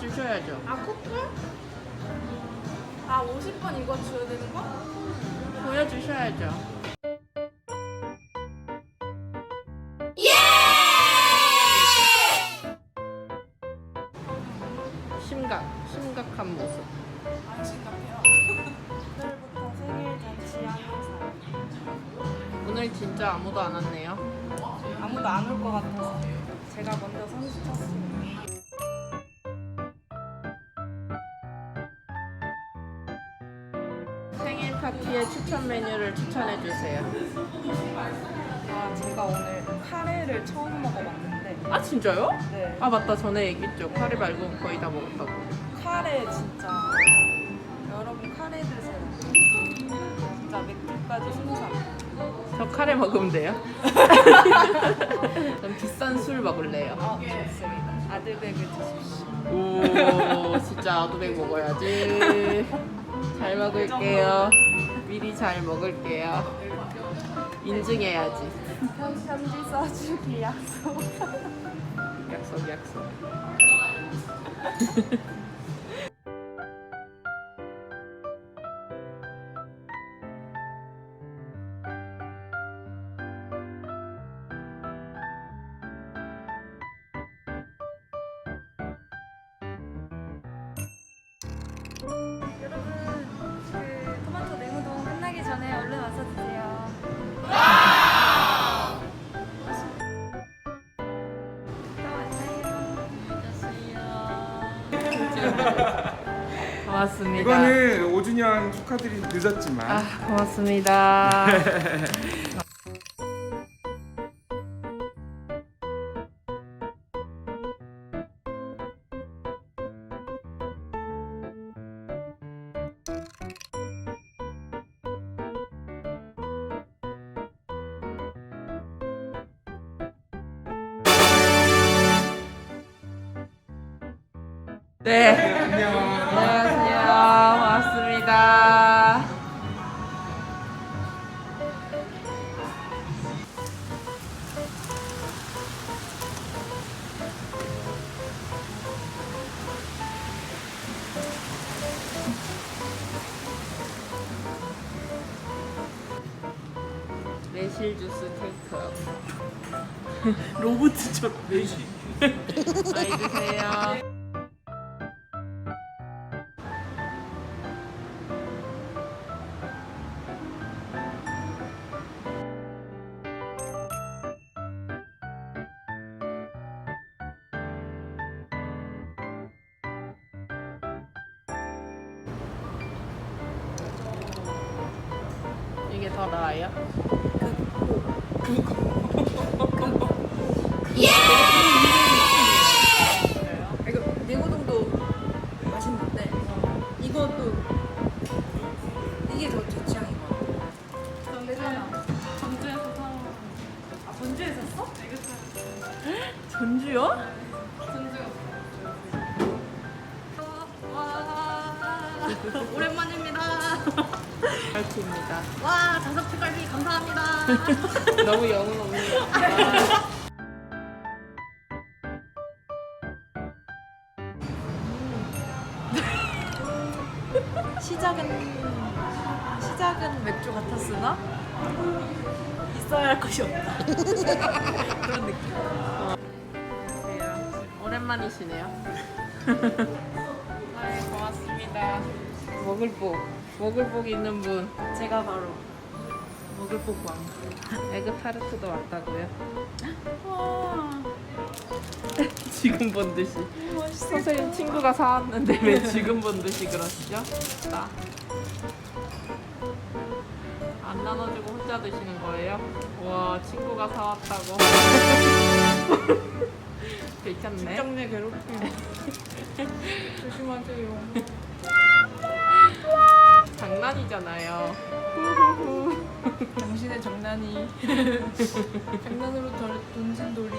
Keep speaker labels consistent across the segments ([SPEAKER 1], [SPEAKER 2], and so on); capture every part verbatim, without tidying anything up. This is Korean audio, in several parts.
[SPEAKER 1] 보여주셔야죠.
[SPEAKER 2] 아 쿠폰? 아 오십 번 이거 줘야 되는 거?
[SPEAKER 1] 보여주셔야죠. 심각, 심각한 모습.
[SPEAKER 2] 안 심각해요. 오늘부터 생일 잔치 항상
[SPEAKER 1] 오늘 진짜 아무도 안 왔네요.
[SPEAKER 2] 아무도 안 올 것 같아서 제가 먼저 선수 쳤습니다.
[SPEAKER 1] 생일 파티의 추천 메뉴를 추천해 주세요.
[SPEAKER 2] 아 제가 오늘 카레를 처음 먹어봤는데
[SPEAKER 1] 아 진짜요?
[SPEAKER 2] 네
[SPEAKER 1] 아 맞다, 전에 얘기했죠. 카레 말고는 거의 다 먹었다고.
[SPEAKER 2] 카레 진짜 여러분 카레 드세요. 진짜 맥주까지 순삭.
[SPEAKER 1] 저 카레 먹으면 돼요? 전 비싼 술 먹을래요.
[SPEAKER 2] 어 좋습니다. 아드백을 드십시오.
[SPEAKER 1] 오, 진짜 아두백 먹어야지. 잘 먹을게요. 미리 잘 먹을게요. 인증해야지.
[SPEAKER 2] 편- 편지 써주기 약속.
[SPEAKER 1] 약속, 약속.
[SPEAKER 2] 여러분 그 토마토 냉우동 끝나기 전에 얼른 와서 드세요.
[SPEAKER 1] 고맙습니다.
[SPEAKER 3] 이거는 오 주년 축하드리 늦었지만
[SPEAKER 1] 아, 고맙습니다. 네.
[SPEAKER 3] 안녕.
[SPEAKER 1] 안녕하세요. 고맙습니다. 매실 주스 테이크아웃.
[SPEAKER 3] 로봇처럼 매실.
[SPEAKER 1] 많이 드세요. 이게 더 나아요?
[SPEAKER 2] 이거 냉우동도 맛있는데 이것도 이게 더 제 취향인 것 같아요. 전주야. 전주에서 사. 아 전주에 샀어?
[SPEAKER 1] 전주요?
[SPEAKER 2] 전주였어. 와 오랜만입니다.
[SPEAKER 1] 파이팅입니다.
[SPEAKER 2] 와 다섯 피갈비 감사합니다.
[SPEAKER 1] 너무 영혼 없는 것 같다.
[SPEAKER 2] 시작은 시작은 맥주 같았으나 있어야 할 것이 없다. 그런 느낌.
[SPEAKER 1] 안녕하세요. 오랜만이시네요. 네, 고맙습니다. 먹을 복, 먹을 복 있는 분.
[SPEAKER 2] 제가 바로
[SPEAKER 1] 먹을 복 왕. 에그 타르트도 왔다고요?
[SPEAKER 2] 와
[SPEAKER 1] 지금 본 듯이.
[SPEAKER 2] 맛있어.
[SPEAKER 1] 선생님 친구가 사왔는데 왜 지금 본 듯이 그러시죠? 나. 안 나눠주고 혼자 드시는 거예요? 와, 친구가 사왔다고. 괜찮네.
[SPEAKER 2] 직장 내 괴롭힘. 조심하세요.
[SPEAKER 1] 장난이잖아요.
[SPEAKER 2] 당신의 장난이 장난으로 덜 던진 돌이.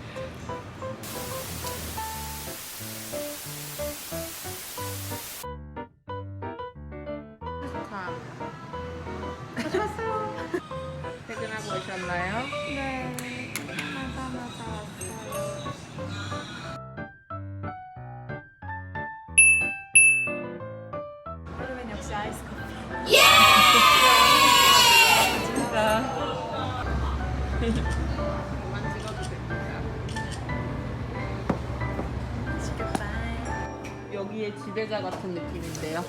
[SPEAKER 1] 참. 하셨어요. 퇴근하고 오셨나요?
[SPEAKER 2] 네. 맞아 맞아 왔어요.
[SPEAKER 1] 그만 찍어도 됩니다.
[SPEAKER 2] 맛있겠다.
[SPEAKER 1] 여기에 지배자 같은 느낌인데요.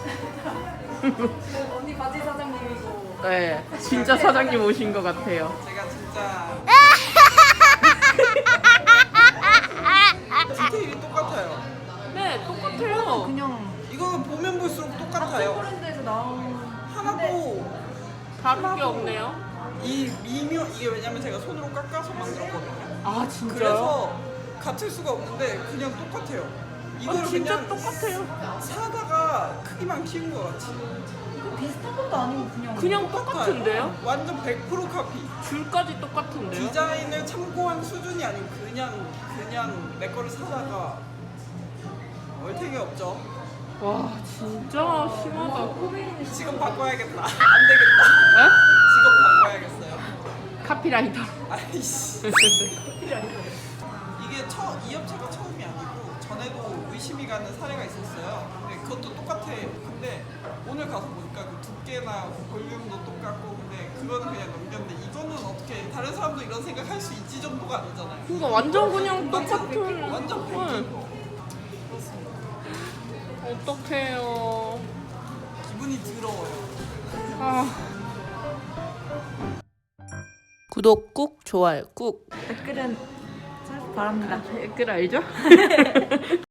[SPEAKER 2] 언니 바지 사장님이고.
[SPEAKER 1] 네, 진짜 사장님 오신 것 같아요.
[SPEAKER 4] 제가 진짜 디테일이 똑같아요.
[SPEAKER 1] 네, 똑같아요.
[SPEAKER 2] 그냥
[SPEAKER 4] 이거는 보면 볼수록 똑같아요.
[SPEAKER 2] 브랜드에서 나온.
[SPEAKER 4] 하나도
[SPEAKER 1] 다른 게 없네요.
[SPEAKER 4] 이 미묘 이게 왜냐면 제가 손으로 깎아서 만들었거든요.
[SPEAKER 1] 아, 진짜요?
[SPEAKER 4] 그래서 같을 수가 없는데 그냥 똑같아요. 이걸
[SPEAKER 1] 아, 진짜
[SPEAKER 4] 그냥
[SPEAKER 1] 똑같아요.
[SPEAKER 4] 사다가 크기만 키운 것 같이.
[SPEAKER 2] 이거 비슷한 것도 아니고 그냥.
[SPEAKER 1] 그냥
[SPEAKER 4] 똑같아요.
[SPEAKER 1] 똑같은데요?
[SPEAKER 4] 완전 백 퍼센트 카피.
[SPEAKER 1] 줄까지 똑같은데요?
[SPEAKER 4] 디자인을 참고한 수준이 아니고 그냥 그냥 내 거를 사다가 얼탱이 없죠.
[SPEAKER 1] 와, 진짜 심하다.
[SPEAKER 4] 직업 바꿔야겠다. 안 되겠다.
[SPEAKER 1] 에?
[SPEAKER 4] 직업 바꿔야겠어요.
[SPEAKER 1] 카피라이터.
[SPEAKER 4] 아이씨. 이게 처, 이 업체가 처음이 아니고 전에도 의심이 가는 사례가 있었어요. 근데 그것도 똑같아. 근데 오늘 가서 보니까 그 두께나 볼륨도 똑같고 근데 그거는 그냥 넘겼는데 이거는 어떻게 다른 사람도 이런 생각할 수 있지 정도가 아니잖아요.
[SPEAKER 1] 그러니까 완전 그냥
[SPEAKER 4] 완전
[SPEAKER 1] 똑같은.
[SPEAKER 4] 백인, 완전 백인 거.
[SPEAKER 1] 어떡해요.
[SPEAKER 4] 기분이 더러워요.
[SPEAKER 1] 아.
[SPEAKER 5] 구독 꾹, 좋아요 꾹.
[SPEAKER 2] 댓글은 바랍니다.
[SPEAKER 1] 댓글 알죠?